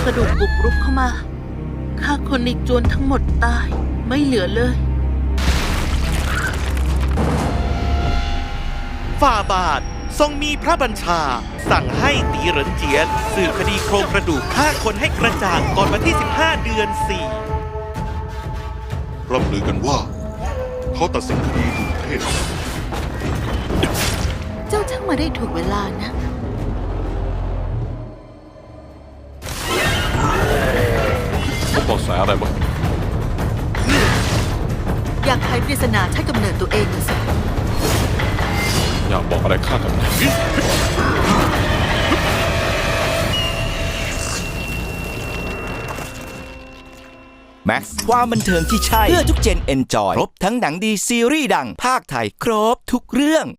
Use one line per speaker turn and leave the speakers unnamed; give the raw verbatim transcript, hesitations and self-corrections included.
ระดูกบุกรุกเข้ามาฆ่าคนในจวนทั้งหมดตายไม่เหลือเลย
ฝ่าบาททรงมีพระบัญชาสั่งให้ตีเหรินเจียนสืบคดีโครงกระดูกฆ่าคนให้กระจ่างก่อนวันที่สิบห้าเดือนสี่
ร่ำลือกันว่าเขาตัดสินคดีดุเทพ
เจ้าช่างมาได้ถูกเวลานะ
พบเบาะแสอะไรบ้าง
อยากไขปริศนาใช้กำเนิดตัวเองนะสิ
อยากบอกอะไรข้ากับนาย
แม็กซ์ความบันเทิงที่ใช่เพื่อทุกเจนเอนจอยครบทั้งหนังดีซีรีส์ดังภาคไทยครบทุกเรื่อง